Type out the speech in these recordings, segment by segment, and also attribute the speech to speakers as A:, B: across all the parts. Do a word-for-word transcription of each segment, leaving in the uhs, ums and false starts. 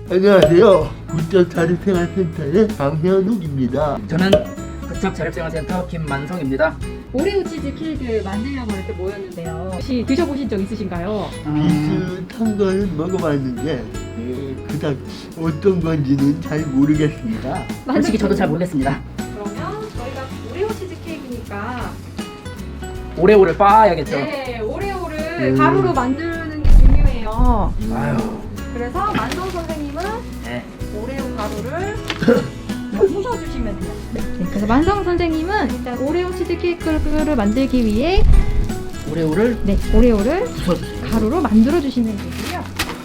A: 안녕하세요. 국적자립생활센터의 강현욱입니다.
B: 저는 국적자립생활센터 김만성입니다.
C: 오레오 치즈 케이크를 만들려고 이렇게 모였는데요. 혹시 드셔보신 적 있으신가요?
A: 비슷한 걸 먹어봤는데 예, 그닥 어떤 건지는 잘 모르겠습니다.
B: 솔직히 저도 잘 모르겠습니다.
C: 그러면 저희가 오레오 치즈 케이크니까
B: 오레오를 빻아야겠죠.
C: 네, 오레오를
A: 음.
C: 가루로 만드는 게 중요해요.
B: 아유.
C: 그래서 만성 선생님은
B: 네.
C: 오레오 가루를 부숴주시면 돼요. 네, 그래서 만성 선생님은 일단 오레오 치즈 케이크를 만들기 위해
B: 오레오를
C: 네, 오레오를
B: 부숴주세요.
C: 가루로 만들어 주시면 되고요.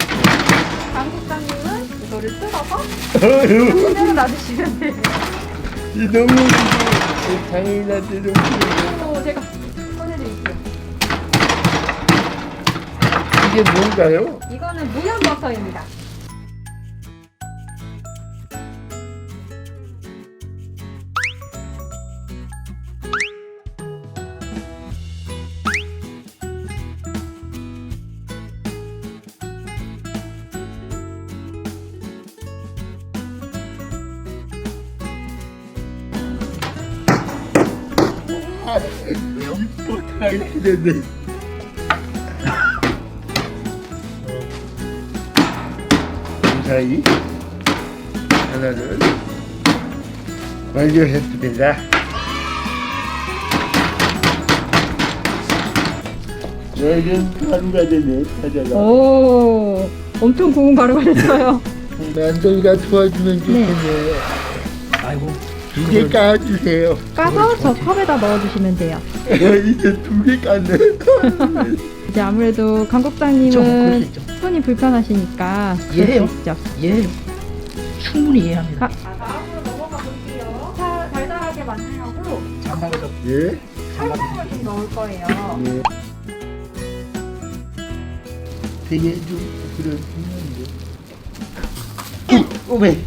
C: 강국장님은 이거를 뜯어서 그대로 놔두시면 돼요.
A: 이 너무 당연한데 너무
C: 오, 제가 꺼내드릴게요.
A: 이게 뭔가요?
C: 이거는 무염버섯입니다.
B: 왜요?
A: 못하겠는데 무사히 하나를 완료했습니다. 여긴 가루가 되네. 찾아가
C: 오, 엄청 고운 가루가 됐어요.
A: 만성이가 도와주면 좋겠네.
B: 아이고.
A: 두 개 까주세요.
C: 까서 저 컵에다 넣어주시면 돼요.
A: 이제 두 개 깠네.
C: 이제 아무래도
B: 그쵸, 그럴
C: 강국장님은
B: 수 있죠.
C: 손이 불편하시니까
B: 이해해요.
C: 그럴 수 있죠.
B: 예. 충분히 이해합니다.
C: 아, 다음으로 넘어가 볼게요. 자, 달달하게 만들려고
B: 잠깐만요.
A: 예?
C: 설탕을 좀 넣을 거예요.
A: 예. 되게 좀 그런 중요한데. 오메.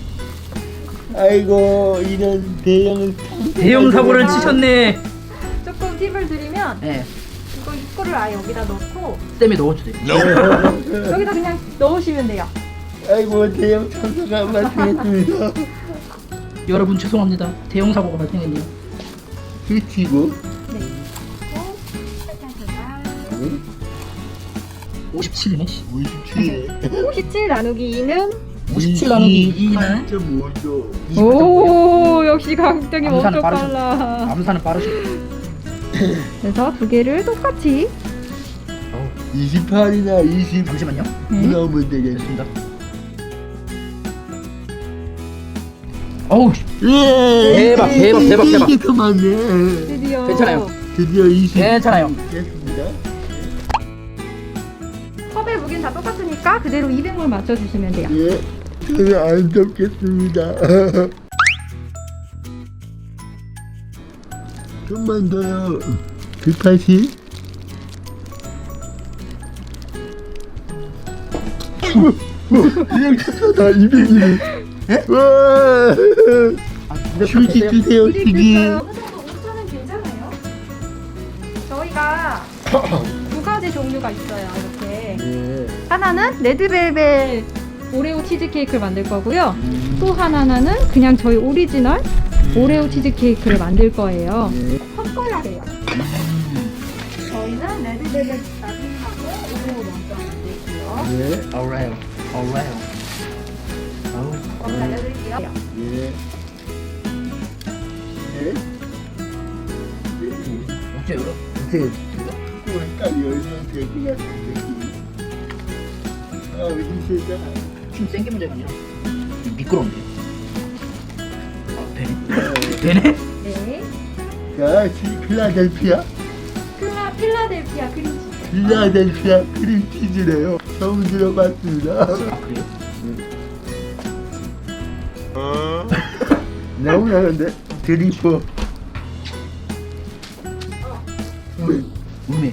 A: 아이고 이런 대형
B: 대형 사고를 치셨네.
C: 조금 팁을 드리면
B: 네.
C: 이거 이거를 아예 여기다 넣고
B: 쌤이 넣어주세요.
C: 여기다 그냥 넣으시면 돼요.
A: 아이고 대형 참사가 발생했습니다.
B: 여러분 죄송합니다. 대형 사고가 발생했네요.
A: 그치고
C: 네. 그리고 설탕 제가
B: 오십칠이네. 씨.
A: 오십칠
C: 오십칠 나누기 이는
B: 오십칠 나누기 이는
A: 점 오 조.
C: 오, 역시 강국장님
B: 암산은
C: 엄청
B: 빠르셔.
C: 빨라.
B: 암산은 빠르시고.
C: 그래서 두 개를 똑같이
A: 이십팔이나 이십
B: 잠시만요.
C: 네.
A: 넣으면 되겠네.
B: 됐습니다. 어우.
A: 예.
B: 대박, 대박, 대박, 대박.
A: 이게 더 많네.
C: 드디어
B: 괜찮아요.
A: 드디어 이십.
B: 괜찮아요.
A: 됐습니다.
C: 컵의 무게는 다 똑같으니까 그대로 이백을 맞춰주시면 돼요.
A: 예. 저는 안 덮겠습니다. 좀만 더요. 백팔십. 그냥 쳤다. 이백이네. 와. 휴지 주세요. 휴지.
C: 이백됐어요. 어느 정도 오차는 괜찮아요. 저희가 두 가지 종류가 있어요. 이렇게
A: 예.
C: 하나는 레드벨벳 오레오 치즈케이크를 만들 거고요. 또 하나는 그냥 저희 오리지널 오레오 치즈케이크를 만들 거예요.
A: 예.
C: 섞어야 돼요. 저희는 레드벨벳 나중에 하고 오레오 먼저 만들게요.
A: 예.
B: 오레오. 오레오. 아우.
C: 그럼 알려드릴게요.
A: 예. 예.
B: 어째요?
A: 이제 딱 열면 될 것 같은데. 아, 이 세상.
B: 춤 센 게 문제가 아니라 미끄러운데. 아, 되네. 되네?
C: 네.
A: 자, 지- 필라델피아.
C: 필라, 필라델피아 크림치즈.
A: 필라델피아 크림치즈래요. 처음 들어봤습니다.
B: 아, 그래요?
A: 너무 나는데? 드리퍼. 음,
B: 음에.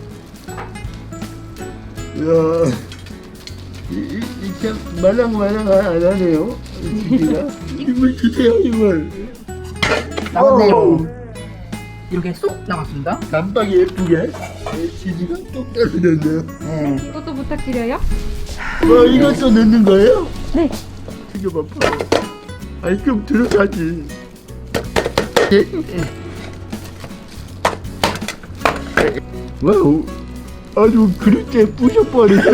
A: 이야. 이, 이, 이 참 말랑말랑 안 하네요. 치즈가. 힘을 주세요, 힘을.
B: 나왔네요.
A: 어우,
B: 이렇게 쏙 나왔습니다.
A: 깜빡이 예쁘게. 치즈가 똑 떨어졌네요.
B: 네.
C: 이것도 부탁드려요.
A: 뭐, 이것도 넣는 거예요?
C: 네.
A: 이거만 봐. 아니 그럼 들어가지. 와우, 아주 그릇째 부셔버리네.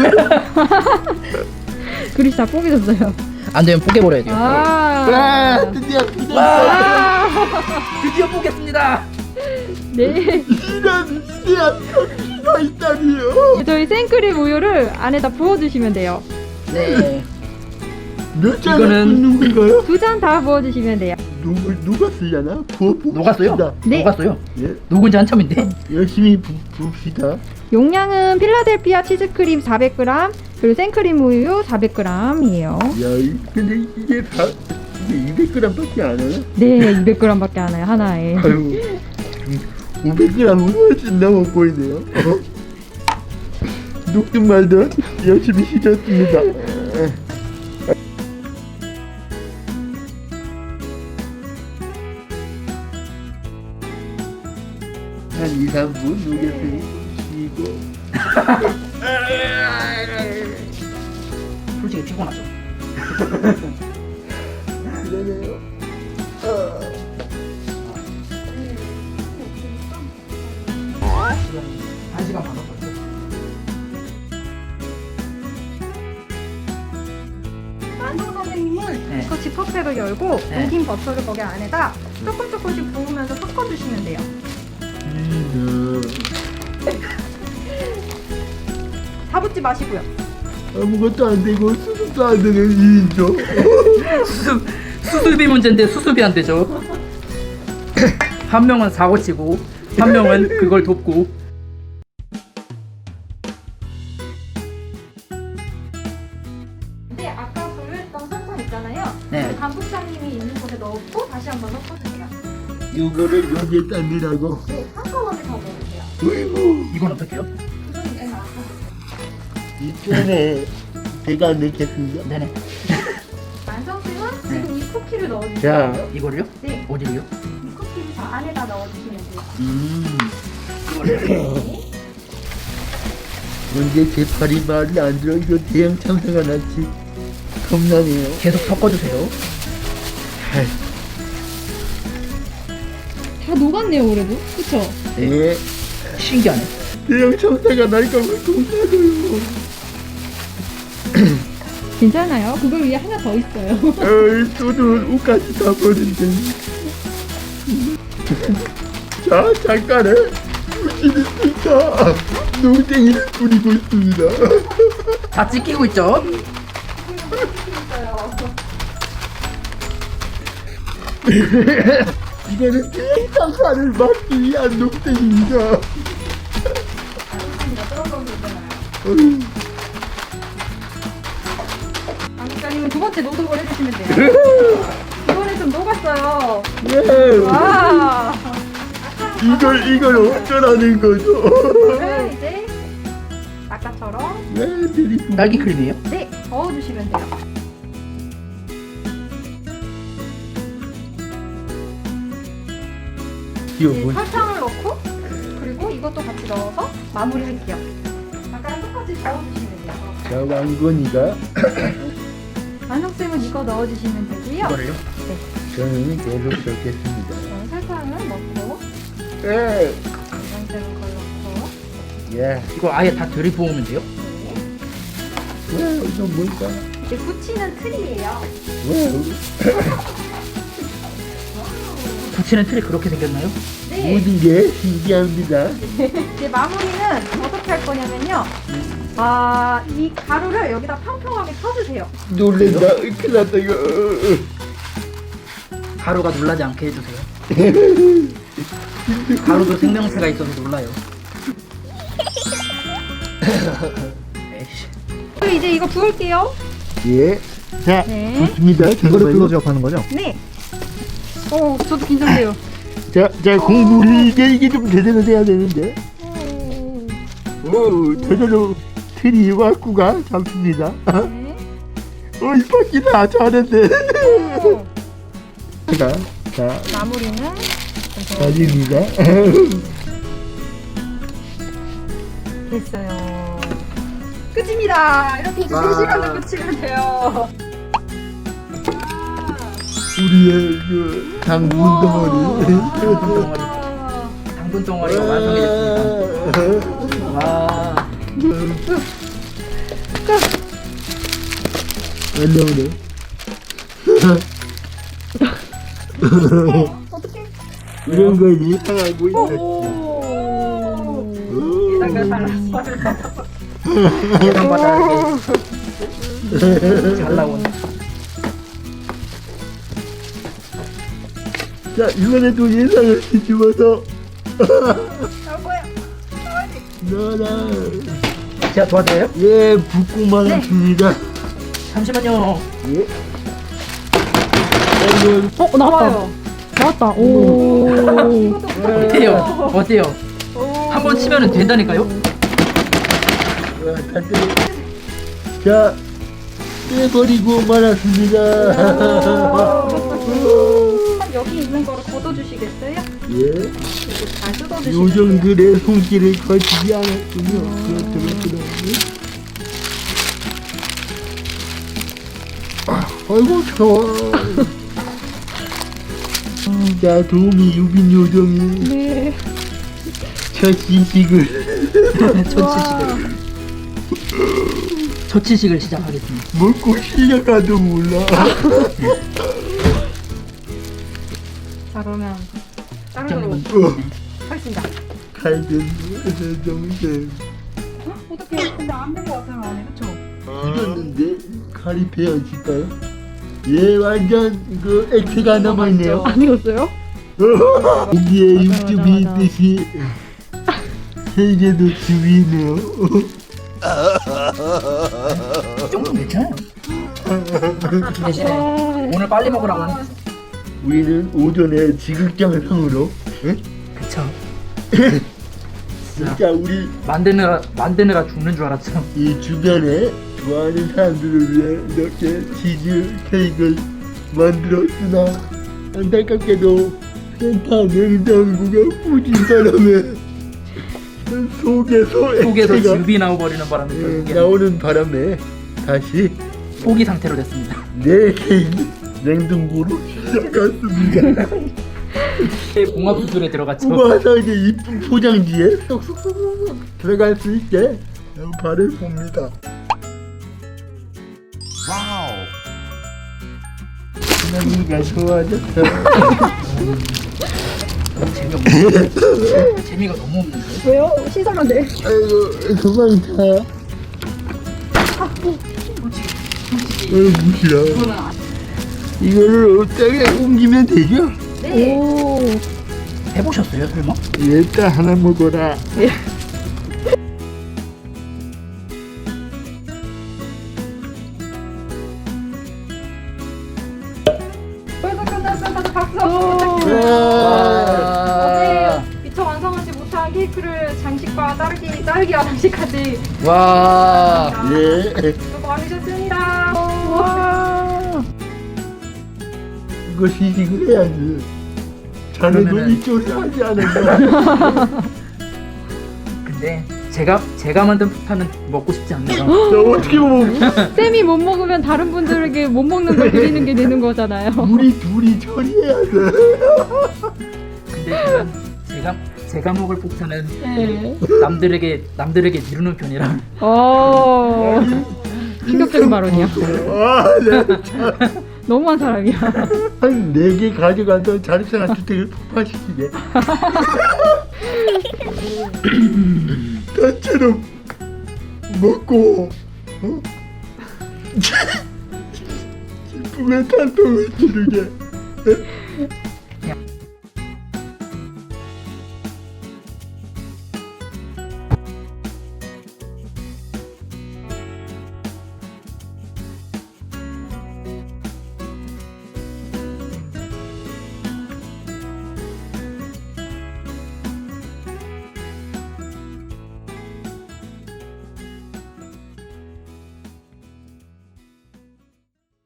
C: 그릇이 다 뽀개졌어요.
B: 안 되면 뽀개버려야 돼요.
C: 아,
A: 와, 드디어 부셨어.
B: 와, 드디어 뽀겠습니다.
C: 네.
A: 이런 씨앗 가 있다니요.
C: 저희 생크림 우유를 안에다 부어주시면 돼요.
B: 네.
A: 몇 잔을
B: 이거는-
A: 붓는 건가요?
C: 두 잔 다 부어주시면 돼요.
A: 누구 누가 쓰려나? 부어 봅시다.
B: 녹았어요?
C: 네.
B: 녹았어요.
A: 예,
B: 녹은 지 한참인데.
A: 열심히 부, 봅시다.
C: 용량은 필라델피아 치즈크림 사백 그램, 그리고 생크림 우유 사백 그램이에요.
A: 야, 이- 근데 이게 다 이게 이백 그램밖에 안 하나?
C: 네, 이백 그램밖에 안 해요, 하나에.
A: 아유, 오백 그램은 훨씬 넘어 보이네요. 어? 녹든 말든 열심히 씻었습니다. 한 이, 삼 분 녹였으니 쉬고.
B: 솔직히 피곤하죠.
A: 그러네요.
B: 한 시간 반 걸렸어요.
C: 만성 선생님은
B: 네.
C: 그 지퍼백을 열고
B: 네.
C: 녹인 버터를 거기 안에다 조금 조금씩 부으면서 섞어주시면 돼요.
B: 음.
C: 다 붓지 마시고요.
A: 아무것도 안 되고 수습도 안 되는 일이죠.
B: 수습, 수습이 문제인데 수습이 안 되죠. 한 명은 사고 치고 한 명은 그걸 돕고.
C: 근데 아까 불렸던 설탕 있잖아요.
B: 네.
C: 그 간부장님이 있는 곳에 넣고 다시 한번 섞어주세요.
A: 이거를 여기에 담으라고.
C: 네, 한꺼번에 더 넣으세요.
A: 어이구,
B: 이건 어떻게요?
C: 그건 이제 나서.
A: 이전에 제가 넣겠습니다.
B: 네네.
C: 만성쌤은
B: 네.
C: 지금 이 쿠키를 넣어주세요.
A: 자,
B: 이거를요?
C: 네,
B: 어디로요?
C: 이 쿠키를 저 안에다 넣어주시면 돼요.
B: 음.
A: 언제 제 팔이 말이 안 들어. 이거 대형 참사가 났지. 겁나네요.
B: 계속 섞어주세요.
A: 아이,
C: 다 녹았네요, 그래도. 그쵸?
A: 네,
B: 신기하네.
A: 대형 참사가 날까 봐 겁나고요.
C: 괜찮아요. 그걸 위에 하나 더 있어요.
A: 어이, 소주 옷까지 다 버린데. 자, 잠깐에 부시는 스니까 농땡이를 뿌리고 있습니다.
B: 다 찍히고 있죠?
A: 이거는 대형 참사를 막기 위한 농땡입니다. 어이.
C: 강사님은 두 번째 노동을 해주시면 돼요. 이번에 좀 녹았어요.
A: 네.
C: 와.
A: 이걸 이걸 어쩌라는 거죠?
C: 이거를 이제 아까처럼
A: 네, 드리고.
B: 딸기 크림이에요?
C: 네 저어주시면 돼요.
A: 이거
C: 이제
A: 뭐?
C: 설탕을 넣고 그리고 이것도 같이 넣어서 마무리할게요. 아까랑 똑같이 저어주시면 돼요.
A: 자, 왕건이가
C: 만성쌤은 이거 넣어주시면 되고요.
B: 이거를요?
A: 저는 계속 적겠습니다.
C: 네, 설탕을 넣고
A: 예,
C: 만성쌤은 그걸 넣고
A: 예.
B: 이거 아예 다 들이부으면 돼요?
C: 네.
A: 와, 이거 뭘까?
C: 이제 붙이는 틀이에요.
A: 와,
B: 부치는 틀이 그렇게 생겼나요?
C: 네.
A: 모든 게 신기합니다.
C: 이제 마무리는 어떻게 할 거냐면요. 아, 이 가루를 여기다 평평하게 펴주세요.
A: 놀랜다. 큰일 났다 이거. 어, 어.
B: 가루가 놀라지 않게 해주세요. 가루도 생명체가 있어서 놀라요. 에이씨.
C: 그리고 이제 이거 부을게요.
A: 예. 자,
C: 네.
A: 좋습니다.
D: 이거를 클로즈업 하는 거죠?
C: 네. 어, 저도 긴장돼요.
A: 자, 자, 공물이 이게 이게 좀 제대로 돼야 되는데. 오, 제대로 틀이 왔구가 잡습니다.
C: 네.
A: 어, 이 바퀴다 잘했네.
C: 오.
A: 자, 자,
C: 마무리는
A: 마지입니다.
C: 됐어요. 끝입니다. 이렇게 이제 세 시간을 끝이면 돼요.
A: 우리의 그 당분 덩어리.
B: 당분 덩어리가 완성이 됐습니다. 와.
A: 안 나오네. 이런 거 이상하고 있네.
B: 예상보다 이렇게 잘 나온.
A: 자, 이번에도 예상을 뒤집어서. 너라.
B: 제가 도와드려요?
A: 예, 붓고만 했습니다.
B: 잠시만요.
A: 예. 아이고,
C: 어 나왔다. 나왔다. 오.
B: 어때요? 어때요? 한 번 치면은 된다니까요?
A: 와, 다 떼- 자, 떼버리고 말았습니다.
C: 여기 있는 거를 걷어주시겠어요?
A: 예.
C: 이렇게 잘 뜯어주시면
A: 요정들의 손길을 거치지 않았군요. 그렇더라고요. 아, 아이고, 좋아. 자, 도우미 유빈 요정이
C: 네.
A: 첫 시식을.
B: 초치식을. 초치식을 시작하겠습니다.
A: 먹고 실려가도 몰라.
C: 자 그러면 다른 걸로
A: 어,
C: 하겠습니다.
A: 칼든 동생.
C: 어떻게 근데 안 된 거 같아요 안에 그쵸?
A: 익었는데 칼이 베어질까요? 예, 완전 그 액체가 남아있네요.
C: 안 익었어요?
A: 고기에 육즙이 있듯이 세계도 즙이 있네요.
B: 이 정도면 괜찮아요. 대신에 오늘 빨리 먹으라고 하는 거죠.
A: 우리는 오전에 지극정성으로, 응?
B: 그쵸.
A: 진짜 우리
B: 만드느라 만드느라 죽는 줄 알았죠.
A: 이 주변에 좋아하는 사람들을 위해 이렇게 치즈 케이크를 만들었으나 안타깝게도 센터 냉장고가 부진 바람에 속에서
B: 속에서
A: 액체가
B: 즙이 나와버리는 바람에
A: 예,
B: 결국에
A: 나오는 바람에 다시
B: 포기 상태로 됐습니다.
A: 내 케이크 냉동고로 시작했습니다.
B: 봉합 수술에 들어갔죠.
A: 뽑아서 이제 이쁜 포장지에 쏙쏙쏙 들어갈 수 있게 발을 봅니다. 와우. 나이가 좋아졌어.
B: 너무 재미없는데. 재미가 너무 없는데.
C: 왜요? 신선한데.
A: 아이고 그만 타. 어이 무시야. 이거를 어떻게 옮기면 되죠?
C: 네. 오.
B: 해보셨어요 설마?
A: 일단 하나 먹어라.
C: 벌써 끝났어. 박수.
A: 와.
C: 어제 미처 완성하지 못한 케이크를 장식과 딸기 딸기와 장식까지
B: 와.
A: 예.
C: 수고 많으셨습니다. 와.
A: 이거 시식을 해야지. 자네도
B: 그러면은-
A: 이쪽에 하지 않았나?
B: 근데 제가 제가 만든 폭탄은 먹고 싶지 않네요.
A: 나 어떻게 보면
C: 쌤이 못 먹으면 다른 분들에게 못 먹는 걸 드리는 게 되는 거잖아요.
A: 우리 둘이 처리해야 돼.
B: 근데 제가 제가 제가 먹을 폭탄은
C: 네.
B: 남들에게 남들에게 미루는 편이라.
C: 어. 충격적인 발언이야.
A: 아, 네.
C: 너무한 사람이야.
A: 한 네 개 가져가서 자립생활 주택을 폭파시키게. 나처럼 먹고, 어? 기쁨의 탄통을 지르게.